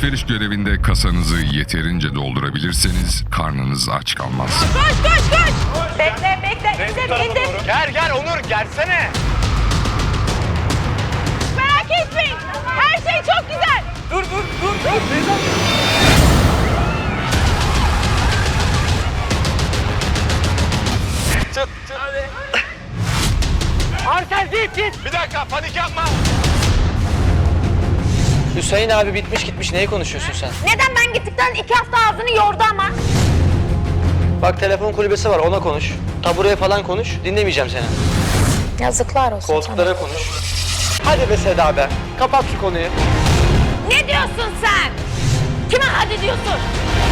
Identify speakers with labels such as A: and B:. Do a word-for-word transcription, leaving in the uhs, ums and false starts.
A: Alışveriş görevinde kasanızı yeterince doldurabilirseniz karnınız aç kalmaz.
B: Koş koş koş. Bekle bekle. İndir indir.
C: Gel gel Onur gelsene.
B: Merak etmeyin. Her şey çok güzel.
C: Dur dur dur dur. Çıt çıt. Hadi. Arsel git git. Bir dakika panik yapma.
D: Hüseyin abi bitmiş gitmiş. Neyi konuşuyorsun sen?
B: Neden ben gittikten iki hafta ağzını yordu ama?
D: Bak telefon kulübesi var, ona konuş. Tabureye falan konuş. Dinlemeyeceğim seni.
B: Yazıklar olsun
D: Koltuklara konuş. Hadi be Seda be. Kapat şu konuyu.
B: Ne diyorsun sen? Kime hadi diyorsun?